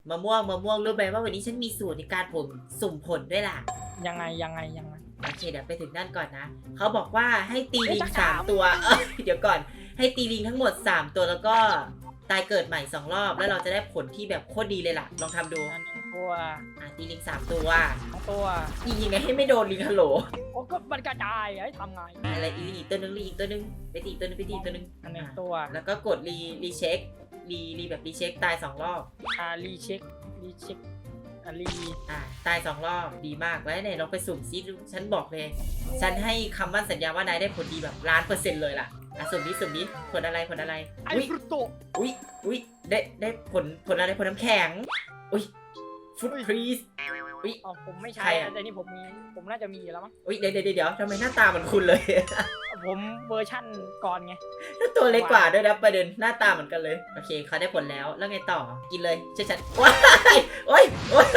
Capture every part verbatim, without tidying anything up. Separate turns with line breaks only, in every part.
มะม่วงมะม่วงรู้ไหมว่าวันนี้ฉันมีสูตรในการผมสุ่มผลด้วยล่ะ
ยังไงยังไงยังไง
โอเคเดี๋ยวไปถึงนั่นก่อนนะเขาบอกว่าให้ตีลิง
เอ้ย
สามตัวเอ้ยเดี๋ยวก่อนให้ตีลิงทั้งหมดสามตัวแล้วก็ตายเกิดใหม่สองรอบแล้วเราจะได้ผลที่แบบโคตรดีเลยล่ะลองทำดู
อันหนึ่งตัว
อ่ะตีลิงสามตัว
สองตัว
ยิงยังไงให้ไม่โดนลิงฮัลโหล
โอ้ก็มันกระจายให้ทำไง
อะไรอีลิงอีกตัวนึงลิงอีกตัวนึงไปตีอีกตัวนึงไปตีอีกตัวนึง
อันหนึ่งตัว
แล้วก็กดรีรีเช็ครีรีแบบรีเช็คตายสองรอบ
อ่ารีเช็ครีเช็คอ่ารี
อ่าตายสองรอบดีมากแล้วไหนลองไปสุ่มซิดูฉันบอกเลย ฉันให้คำมั่นสัญญาว่านายได้ผลดีแบบล้านเปอร์เซ็นต์เลยล่ะอ่ะสุ่มนี้สุ่มนี้ผลอะไรผลอะไร
ไอ้
อุ้ย
ฟรุตโต
อุ้ยอุ้ยได้ได้ผลผลอะไรผลน้ำแข็งอุ้ยฟุตครีสอุ้ย
อ๋อผมไม่
ใคร
ใช่
อะ
แต่นี่ผมมีผมน่าจะมีอยู่แล้วมั้ง
อุ้ยเดี๋ยวเดี๋ยวเดี๋ยวทำไมหน้าตาเหมือนคุณเลย
ผมเวอร์ชั่นก่อนไง
ตัวเล็กกว่าด้วยนะประเด็นหน้าตาเหมือนกันเลยโอเคเขาได้ผลแล้วแล้วไงต่อกินเลยเชื่อฉันว้ายโอ้ยโอ้ย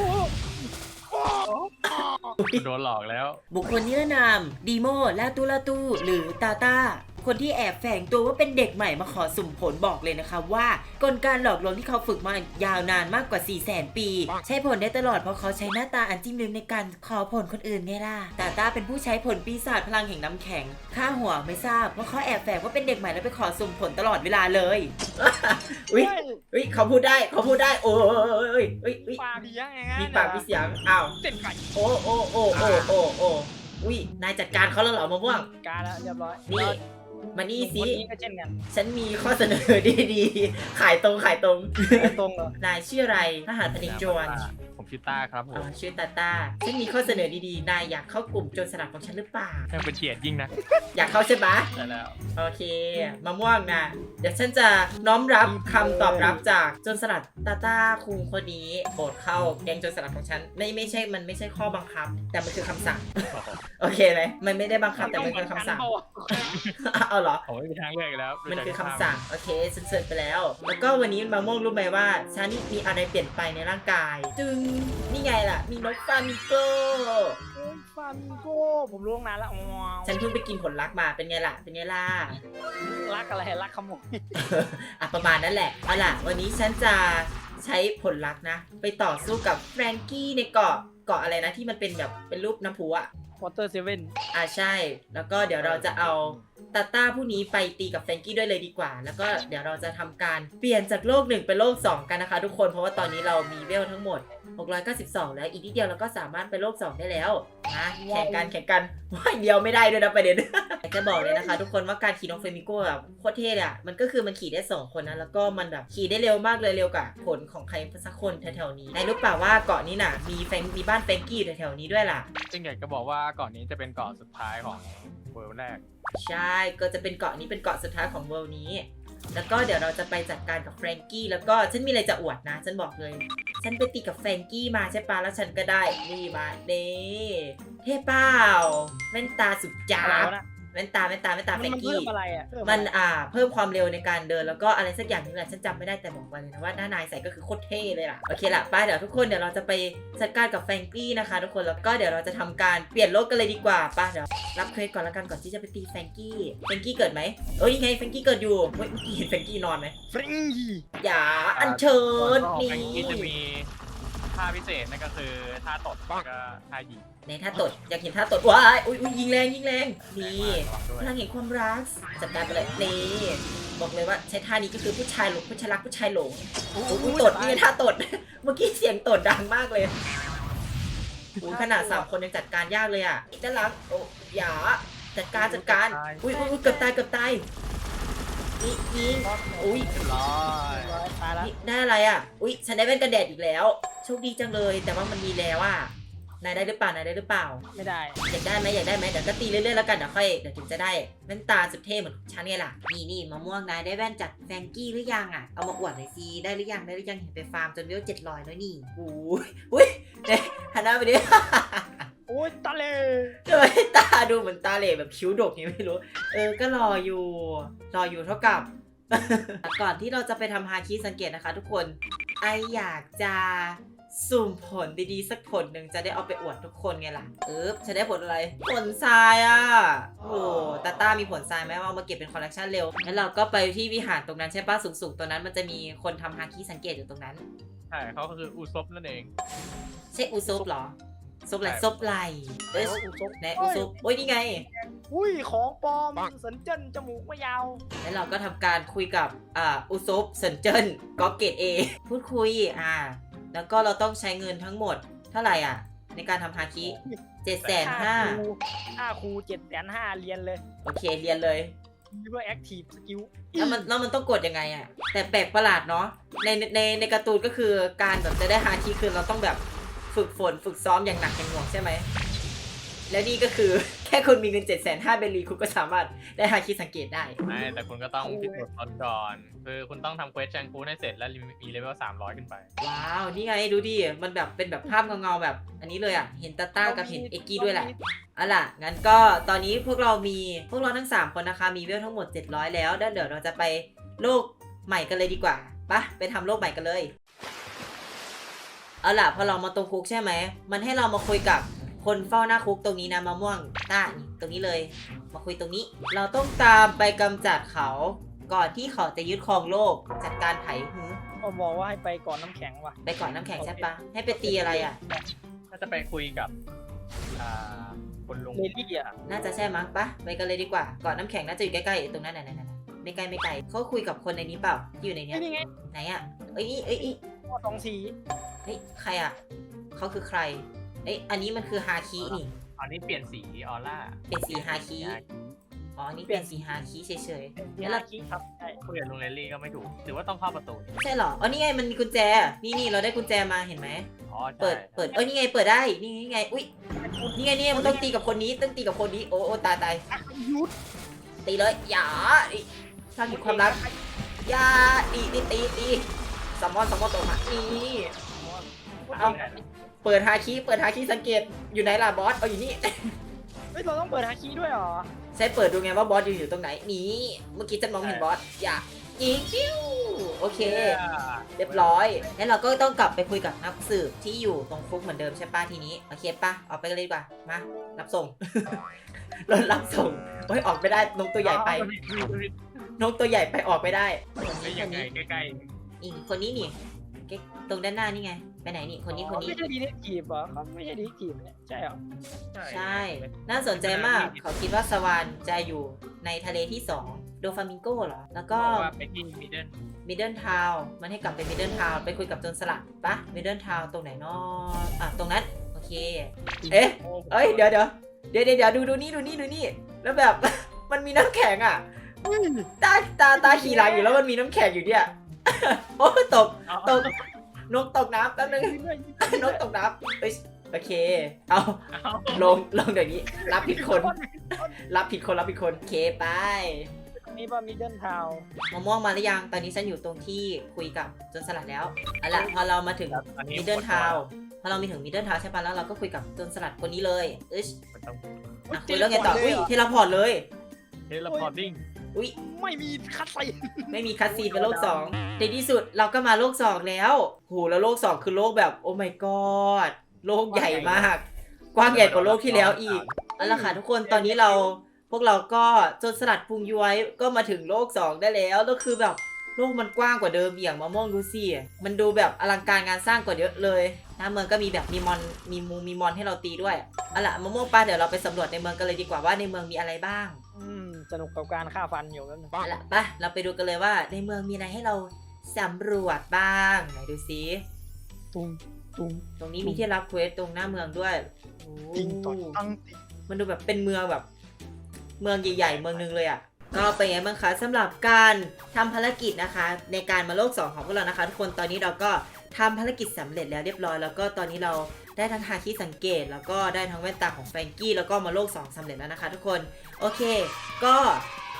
โดนหลอกแล้ว
บุคคลนิรนามดีโมลาตูลาตูหรือตาตาคนที่แอบแฝงตัวว่าเป็นเด็กใหม่มาขอสุ่มผลบอกเลยนะคะว่ากลการหลอกลวงที่เขาฝึกมายาวนานมากกว่า สี่แสน ปี ใช้ผลได้ตลอดเพราะเขาใช้หน้าตาอันจิ้มลิ้มในการขอผลคนอื่นไงล่ะตาตาเป็นผู้ใช้ผลปีศาจพลังแห่งน้ำแข็งค่าหัวไม่ทราบเพราะเขาแอบแฝงว่าเป็นเด็กใหม่แล้วไปขอสุ่มผลตลอดเวลาเลย อุ้ยอุ้ยเขาพูดได้เขาพูดได้โอ้ยอุ้ยอุ้ย
ปากเสียงไง
มีปากมีเสียงอ้าว
เต้นไก่
โอ้โอ้โอ้โอ้โอ้โอ้อุ้ยนายจัดการเขาแล้วเหรอมะม่วง
การแล้วเรียบร้อย
นี่มานี่สิ
คนนี้ก็เช่นกัน
ฉันมีข้อเสนอดีๆ ขายตรงขายตรง
ตรงเหรอน
ายชื่ออะไรทหารพนิจจวน
ผมชื่อต้าครับผ
อ๋อ
ม
ชื่อตาตาฉันมีข้อเสนอดีๆ นายอยากเข้ากลุ่มโจรสลัดของฉันหรือเปล่า
แค่เป็นเกียรติยิ่งนะ
อยากเข้าใช่ปะ
ใช่แล้ว
โอเคมะม่วงนะเดี๋ยวฉันจะน้อมรับคำตอบรับจากโจรสลัดตาตาคุงคนนี้โปรดเข้าแก๊งโจรสลัดของฉันไม่ไม่ใช่มันไม่ใช่ข้อบังคับ แต่มันคือคำสั่ง โอเคไหมมันไม่ได้บังคับแต่มันคือคำสั่ง เอาเหรอ
ผมไม่มีทางเลือกอีกแล้ว
มันคือคำสั่งโอเคฉันเสร็จไปแล้ว แล้วก็วันนี้มะม่วงรู้ไหมว่าฉันมีอะไรเปลี่ยนไปในร่างกาย จึงนี่ไงล่ะ มีนกฟามิงโก
ฟามิงโก้ผมรู้ตั้งนานแล้วอ๋อ
ฉันเพิ่งไปกินผลลักมาเป็นไงล่ะเป็นไงล่ะ
รักอะไรรักขโมย
อ่ะประมาณนั้นแหละเอาล่ะวันนี้ฉันจะใช้ผลลักนะ ไปต่อสู้กับแฟรงกี้ในเกาะเกาะอะไรนะที่มันเป็นแบบเป็นรูปน้ำพุอะ
วอเตอร์เซเว่น
อ่าใช่ แล้วก็เดี๋ยวเราจะเอาตาต้าผู้นี้ไปตีกับแฟรงกี้ด้วยเลยดีกว่า แล้วก็เดี๋ยวเราจะทำการเปลี่ยนจากโลกหนึ่งเป็นโลกสองกันนะคะทุกคน เพราะว่าตอนนี้เรามีเวลทั้งหมดหกร้อยเก้าสิบสองแล้ว อีกนิดเดียวเราก็สามารถไปโลกสองได้แล้วนะแข่งกันแข่งกันว่ายเดียวไม่ได้ด้วยนะประเด็น อยากจะบอกเลยนะคะทุกคนว่าการขี่น้องเฟมิโก้แบบโคตรเท่เลยอะมันก็คือมันขี่ได้สองคนนะแล้วก็มันแบบขี่ได้เร็วมากเลยเร็วกว่าผลของใครสักคนแถวๆนี้นายรู้เปล่าว่าเกาะนี้น่ะมีแฟงมีบ้านแฟรงกี้อยู่แถวๆนี้ด้วยล่ะ
ซึ่งอยากจะบอกว่าเกาะนี้จะเป็นเกาะสุดท้ายของเวิลด์แรก
ใช่ ก็จะเป็นเกาะนี้เป็นเกาะสุดท้ายของเวิลด์นี้ แล้วก็เดี๋ยวเราจะไปจัดการกับแฟรงกี้ แล้วก็ฉันมีอะไรจะอวดนะ ฉันบอกเลย ฉันไปตีกับแฟรงกี้มาใช่ปะแล้วฉันก็ได้ นี่มาเน่เท่เปล่าแว่นตาสุดจ้า
อะไร
บ
วะนะ
แว่นตาแว่นตาแว่นตาแฟ
มัน
รง
มัน
กี้
เพิ่มอะไรอ่ะเพิ่ม
มัน
อะไร
อ่าเพิ่มความเร็วในการเดินแล้วก็อะไรสักอย่างนึงแหละฉันจำไม่ได้แต่บอกไว้เลยนะว่าหน้านายใส่ก็คือโคตรเท่เลยล่ะโอเคละป้าเดี๋ยวทุกคนเดี๋ยวเราจะไปจัดการกับแฟรงกี้นะคะทุกคนแล้วก็เดี๋ยวเราจะทำการเปลี่ยนโลกกันเลยดีกว่าป้าเดี๋ยวรับเควสก่อนแล้วกันก่อนที่จะไปตีแฟรงกี้แฟรงกี้เกิดไหมเอ้ยไงแฟรงกี้เกิดอยู่เฮ้ยเมื่อกี้เห็นแฟรงกี้นอนไหม
ฟริงยี
อย่าอัญเชิญ
ของ
นี่
แฟรงกี้จะมีท่าพิเศษนั่นก็คือท่าตดแล้วก็ท่ายิง
ในท่าตดอยากเห็นท่าตดว้ายอุ้ยอุ้ยยิงแรงยิงแรงนี่
ระวังด้วย
พลังแห่งความรักจัดการไปเลยนี่บอกเลยว่าใช้ท่านี้ก็คือผู้ชายหลงผู้ชายรักผู้ชายหลง
โอ้
โอ้
โห
ยตดนี่ท่าตด เมื่อกี้เสียงตดดังมากเลยโอ้ยขนาดสามคนยังจัดการยากเลยอ่ะด้านหลังโอ้อย่าจัดการจัดการอุ้ยอุ้ยอุ้ยเกือบตายเกือบตายนี่ยิงอุ้ย
ร้อย
ตายแล้ว
นี่ได้อะไรอ่ะอุ้ยฉันได้แว่นกันแดดอีกแล้วโชคดีจังเลยแต่ว่ามันมีแล้วอ่ะนายได้หรือเปล่านายได้หรือเปล่า
ไม่ได้
อยากได้ไหมอยากได้ไหมเดี๋ยวก็ตีเรื่อยๆแล้วกันเดี๋ยวค่อยเดี๋ยวถึงจะได้แว่นตาสุดเท่เหมือนฉันไงล่ะนี่นี่มะม่วงนายได้แว่นจากแฟรงกี้หรือยังอ่ะเอามาอวดหน่อยสิได้หรือยังได้หรือยังเห็นไปฟาร์มจนเวลเจ็ดร้อยแล้วนี่โอ้ยอุ้ยเนี่ยหันหน้าไปดิ
โอ้ยตาเล
ทำไมตาดูเหมือนตาเหล่แบบคิ้วดกยังไม่รู้เออก็รออยู่รออยู่เท่ากับ ก่อนที่เราจะไปทำฮาคิสังเกตนะคะ ทุกคนไออยากจะสุ่มผลดีๆสักผลหนึ่งจะได้เอาไปอวดทุกคนไงล่ะเออฉันได้ผลอะไรผลทรายอ่ะโอ้ตาต้ามีผลทรายไหมว่าเอามาเก็บเป็นคอลเลกชันเร็วแล้วเราก็ไปที่วิหารตรงนั้นใช่ปะสูงๆตรงนั้นมันจะมีคนทำฮาคิสังเกตอยู่ตรงนั้น
ใช่เขาก็คืออุซบนั่นเอง
ใช่อุซุปเหรอซุปอะไร
ใช่
ซุปไหลเอ้ย
แล้วอุซบ
ไหนอุซุปโอ้ยนี่ไง
อุ้ยของปลอมสันเจิ้นจมูกไม่ยาว
แล้วเราก็ทำการคุยกับอ่าอุซุปเซินเจิ้นก็เกตเอพูดคุยอ่าแล้วก็เราต้องใช้เงินทั้งหมดเท่าไหร่อ่ะ ในการทำฮาคิเจ็ดแสนห้า
ค่าครูเจ็ดแสนห้าเรียนเลย
โอเคเรียนเลย
เพื่อ active skill
แล้วมันแล้วมันต้องกดยังไงอ่ะ แต่แปลกประหลาดเนาะในในในการ์ตูนก็คือการแบบจะได้ฮาคิคือเราต้องแบบฝึกฝนฝึกซ้อมอย่างหนักอย่างหน่วงใช่ไหมแล้วนี่ก็คือ แค่คุณมีเงินเจ็ดแสนห้าเบลีคุณก็สามารถได้ฮาคิสังเกตได้
ไม่แต่คุณก็ต้องพิสูจน์ตนก่อนคือคุณต้องทำเควสแชงกูให้เสร็จแล้วมีเลเวลสามร้อยขึ้นไป
ว้าว นี่ไงดูดิ มันแบบเป็นแบบภาพเงาๆแบบ อันนี้เลยอ่ะ เห็นตาต้ากับเห็นเอ็กกี้ด้วยแหละเอาล่ะ งั้นก็ตอนนี้พวกเรามีพวกเราทั้งสามคนนะคะ มีเวลทั้งหมดเจ็ดร้อยแล้วแล้วเดี๋ยวเราจะไปโลกใหม่กันเลยดีกว่าปะไปทำโลกใหม่กันเลย เอาล่ะพอเรามาตรงคุกใช่ไหม มันให้เรามาคุยกับคนเฝ้าหน้าคุกตรงนี้นะมะม่วงต้านี่ตรงนี้เลย มาคุยตรงนี้ เราต้องตามไปกำจัดเขา ก่อนที่เขาจะยึดครองโลก จัดการไถหือ
เขาบอกว่าให้ไปก่อนน้ำแข็งว่ะ
ไปก่อนน้ำแข็งใช่ปะให้ไปตีอะไรอ่ะ
ถ้าจะไปคุยกับอ่าคุณลุง
เลดี้อ่ะ
น่าจะใช่มั้งปะไปกันเลยดีกว่า ก่อนน้ำแข็งน่าจะอยู่ใกล้ๆตรงนั้นน่ะๆๆไม่ไกลไม่ไกลเขาคุยกับคนในนี้เปล่าที่อยู่ในเนี้ย
นี่ไง
ไหนอ่ะเอ้ยเอ้ยเอ้ย
ข้อสองสี
เฮ้ยใครอ่ะเขาคือใครเอ้ยอันนี้มันคือฮาคินี่
อันนี้เปลี่ยนสีออร่า
เป็นสีฮาคิอ๋ออันนี้เป็นสีฮาคิเฉย
นี่ลาคิครับใช่
คุยกับลุงเลลี่ก็ไม่ถูกหรือว่าต้องเข้าประตู
ๆใช่เหรออ๋อนี่ไงมันมีกุญแจนี่นี่เราได้กุญแจมาเห็นไหม
อ๋อใช่
เปิดเปิดเอ้ยนี่ไงเปิดได้นี่นี่ไงอุ้ยนี่ไงนี่ไงมันต้องตีกับคนนี้ต้องตีกับคนนี้โอ้โอ้ตายตาย
ยุด
ตีเลยอย่าอิสร้างถึงความรักอย่าตีตีตีตีสมอนสมอนตกมานี่ เอา เปิดฮาคิเปิดฮาคิสังเกตอยู่ไหนล่ะบอสเอาอยู่นี่
เฮ้ยเราต้องเปิดฮาคิด้วยเหรอ
ใช้เปิดดูไงว่าบอสอยู่อยู่ตรงไหนนี่เมื่อกี้ฉันมองเห็นบอสอย่ายิงปิ้วโอเค เรียบร้อยแล้วเราก็ต้องกลับไปคุยกับนักสืบที่อยู่ตรงคุกเหมือนเดิมใช่ป้ะทีนี้โอเคป้ะออกไปกันเลยดีกว่ามารับส่ง รถรับส่งโอ้ยออกไม่ได้นกตัวใหญ่ไปนกตัวใหญ่ไปออกไม่ได้
เฮ้ยยังไงใกล้
อีกคนนี้นี่เก๊กตรงด้านหน้านี่ไงไปไหนนี่คนนี้คนนี้
ไม่ใช่ดีเทคทีฟเหรอเขาไม่ใช่ดีเทคทีฟเนี่ยใช่เหรอ
ๆ
ใช่ น่าสนใจมาก เขาคิดว่าสวานจะอยู่ในทะเลที่สองโดฟามิงโกเหรอ แล้วก็
ก็ว่าไปที่มิดเดิล
มิดเดิลทาวมันให้กลับไปมิดเดิลทาวไปคุยกับโจรสลัดปะมิดเดิลทาวตรงไหนเนาะอ่ะ ตรงนั้น โอเค เอ๊ะ เอ้ย เดี๋ยวเดี๋ยวเดี๋ยวเดี๋ยวเดี๋ยวดูดูนี่ดูนี่ดูนี่ แล้วแบบ มันมีน้ำแข็งอ่ะ ตาตาตาขี่หลังอยู่แล้วมันมีน้ำแข็งอยู่เนี่ย โอ้ตก ตก นกตกน้ำแป๊บนึง นกตกน้ำเอ้ยโอเค เอา
เอา
ลงลงเดี๋ยวนี้ รับผิดคน รับผิดคนรับผิดคนโอเคไป
นี่ป่ะมิดเดิลทาว
มะม่วงมาหรือยัง ตอนนี้ฉันอยู่ตรงที่คุยกับโจนสลัดแล้วเอาล่ะพอเรามาถึง
ตอนนี้
มิดเดิลทาวพอเรามีถึงมิดเดิลทาวใช่ปะแล้วเราก็คุยกับโจนสลัดคนนี้เลยเอ้ย
มันต้อง
อ่ะคุยแล้วไงต่ออุ้ยเทเลพอร์ตเลย
เทเลพอร์ติ้ง
อุ้ย
ไม่มีคัดใส่
ไม่มีคัสซีนเป็นโลกสองในที่สุดเราก็มาโลกสองแล้วโหแล้วโลกสองคือโลกแบบโอ้ my god โลกใหญ่มาก กว้างใหญ่กว่าโลกที่แล้วอีกเอาละค่ะทุกคนตอนนี้เราพวกเราก็โจนสลัดพุงย้วยก็มาถึงโลกสองได้แล้วแล้วคือแบบโลกมันกว้างกว่าเดิมอย่างมะม่วงดูสิมันดูแบบอลังการงานสร้างกว่าเยอะเลยหน้าเมืองก็มีแบบมีมอนมีมูมีมอนให้เราตีด้วยเอาล่ะมะม่วงปลาเดี๋ยวเราไปสำรวจในเมืองกันเลยดีกว่าว่าในเมืองมีอะไรบ้าง
อืมสนุกกับการฆ่าฟันอยู่แล้วนึง
เอาล่ะไปเราไปดูกันเลยว่าในเมืองมีอะไรให้เราสำรวจบ้างไหนดูซิ
ตุ้งตุ้ง
ตรงนี้มีที่รับเควสตรงหน้าเมืองด้วยโอ้
ติงต่อยตั้งติง
มันดูแบบเป็นเมืองแบบ เมืองใหญ่ๆเมืองนึงเลยอ่ะก็เป็นไงบ้างคะสำหรับการทำภารกิจนะคะ ในการมาโลกสองของพวกเรานะคะทุกคนตอนนี้เราก็ทำภารกิจสำเร็จแล้วเรียบร้อยแล้วก็ตอนนี้เราได้ทั้งฮาคิสังเกต แล้วก็ได้ทั้งแว่นตาของแฟรงกี้แล้วก็มาโลกสองสำเร็จแล้วนะคะ ทุกคนโอเค ก็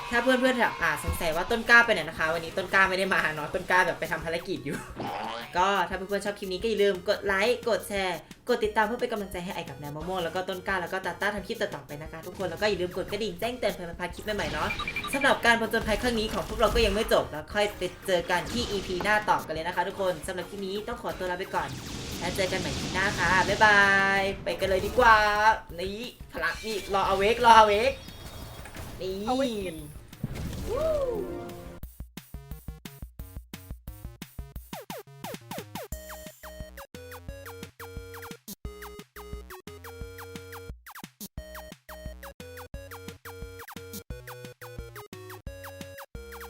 ถ้าเพื่อนๆแบบอ่าสงสัยว่าต้นกล้าไปไหนนะคะ วันนี้ต้นกล้าไม่ได้มาเนาะต้นกล้าแบบไปทำภารกิจอยู่ ก็ถ้าเพื่อนๆชอบคลิปนี้ก็อย่าลืมกดไลค์กดแชร์กดติดตามเพื่อเป็นกำลังใจให้ไอกับแนวมะม่วงแล้วก็ต้นกล้าแล้วก็ตาต้าทำคลิปต่อๆไปนะคะทุกคนแล้วก็อย่าลืมกดกระดิ่งแจ้งเตือนเพื่อไม่พลาดคลิปใหม่ๆเนาะสำหรับการผจญภัยครั้งนี้ของพวกเราก็ยังไม่จบแล้วค่อยไปเจอกันที่ อี พี หน้าต่อกันเลยนะคะทุกคนสำหรับคลิปนี้ต้องขอตัวลาไปก่อนแล้วเจอกันใหม่คลิปหน้าค่ะบ๊ายบายไปกันเลยดีกว่านี่พลังนี่รอเอาเวกรอเอาเวกนี่
เอาไว้
Woo!